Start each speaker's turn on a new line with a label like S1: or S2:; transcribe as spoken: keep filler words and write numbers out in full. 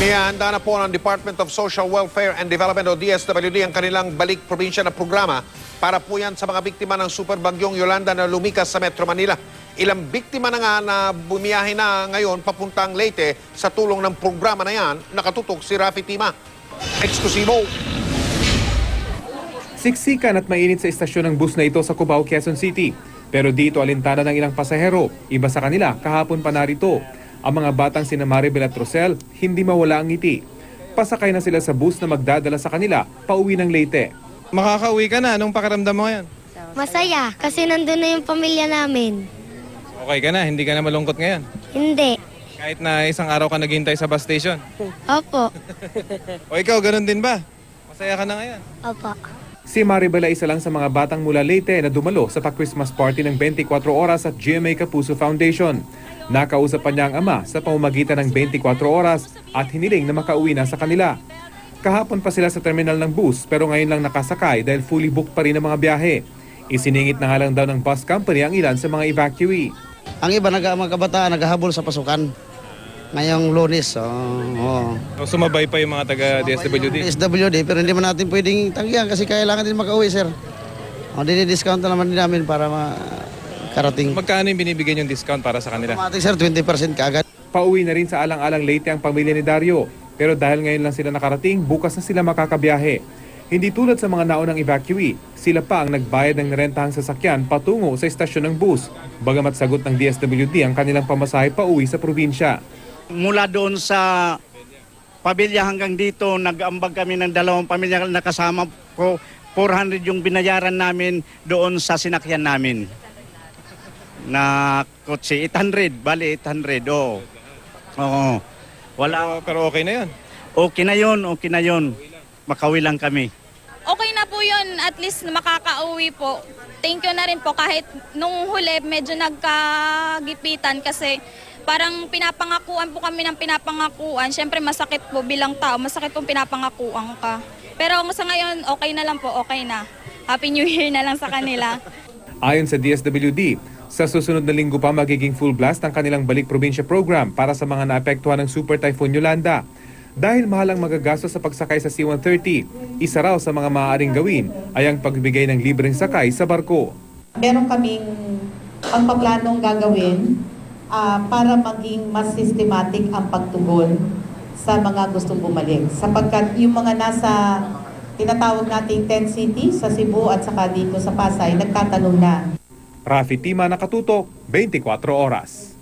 S1: Inihanda na po ng Department of Social Welfare and Development o D S W D ang kanilang balik probinsya na programa para po yan sa mga biktima ng Super Bagyong Yolanda na lumikas sa Metro Manila. Ilang biktima na nga na bumiyahe na ngayon papuntang Leyte sa tulong ng programa na yan. Nakatutok si Rafi Tima. Eksklusibo.
S2: Siksikan at mainit sa istasyon ng bus na ito sa Cubao, Quezon City. Pero dito alintana ng ilang pasahero. Iba sa kanila, kahapon pa narito. Ang mga batang sina Maribel at Rosel, hindi mawala ang ngiti. Pasakay na sila sa bus na magdadala sa kanila pauwi ng Leyte.
S3: Makakauwi ka na, anong pakiramdam mo ngayon?
S4: Masaya, kasi nandun na yung pamilya namin.
S3: Okay ka na, hindi ka na malungkot ngayon?
S4: Hindi.
S3: Kahit na isang araw ka naghintay sa bus station?
S4: Opo.
S3: O ikaw, ganun din ba? Masaya ka na ngayon?
S4: Opo.
S2: Si Maribel ay isa lang sa mga batang mula Leyte na dumalo sa pa-Christmas party ng twenty-four oras at G M A Kapuso Foundation. Nakausap pa niya ang ama sa pamamagitan ng twenty-four oras at hiniling na makauwi na sa kanila. Kahapon pa sila sa terminal ng bus pero ngayon lang nakasakay dahil fully booked pa rin ang mga biyahe. Isiningit na nga lang daw ng bus company ang ilan sa mga evacuee.
S5: Ang iba, nag mga kabataan, naghahabol sa pasukan. Ngayong Lunes, oh, oh.
S3: O sumabay pa yung mga taga-D S W D?
S5: D S W D, pero hindi man natin pwedeng tanggihan kasi kailangan din makauwi, sir. O, dinidiscount na naman din namin para makarating.
S3: Magkano yung binibigyan yung discount para sa kanila?
S5: Automatic, sir, twenty percent kaagad.
S2: Pauwi na rin sa alang-alang Leyte ang pamilya ni Dario. Pero dahil ngayon lang sila nakarating, bukas na sila makakabiyahe. Hindi tulad sa mga naunang evacuee, sila pa ang nagbayad ng narentahang sasakyan patungo sa istasyon ng bus. Bagamat sagot ng D S W D ang kanilang pamasahe pauwi sa probinsya.
S6: Mula doon sa pamilya hanggang dito, nag-ambag kami ng dalawang pamilya na kasama ko. four hundred yung binayaran namin doon sa sinakyan namin. Na kotse, eight hundred, bali eight hundred, oo. Oo. Wala.
S3: Pero, pero okay na yun?
S6: Okay na yun, okay na yun. Makawi lang kami.
S7: Okay na po yun, at least makakauwi po. Thank you na rin po kahit nung huli medyo nagkagipitan kasi parang pinapangakuan po kami ng pinapangakuan. Siyempre masakit po bilang tao, masakit po pinapangakuan ka. Pero sa ngayon, okay na lang po, okay na. Happy New Year na lang sa kanila.
S2: Ayon sa D S W D, sa susunod na linggo pa magiging full blast ang kanilang balik probinsya program para sa mga naapektuhan ng Super Typhoon Yolanda. Dahil mahal ang magagastos sa pagsakay sa C one thirty, isa raw sa mga maaaring gawin ay ang pagbigay ng libreng sakay sa barko.
S8: Meron kaming pagpaplanong gagawin uh, para maging mas systematic ang pagtugon sa mga gustong bumalik. Sapagkat yung mga nasa tinatawag nating tent cities sa Cebu at saka dito sa Pasay, nagtatanong na.
S2: Rafi Tima, nakatutok, twenty-four oras.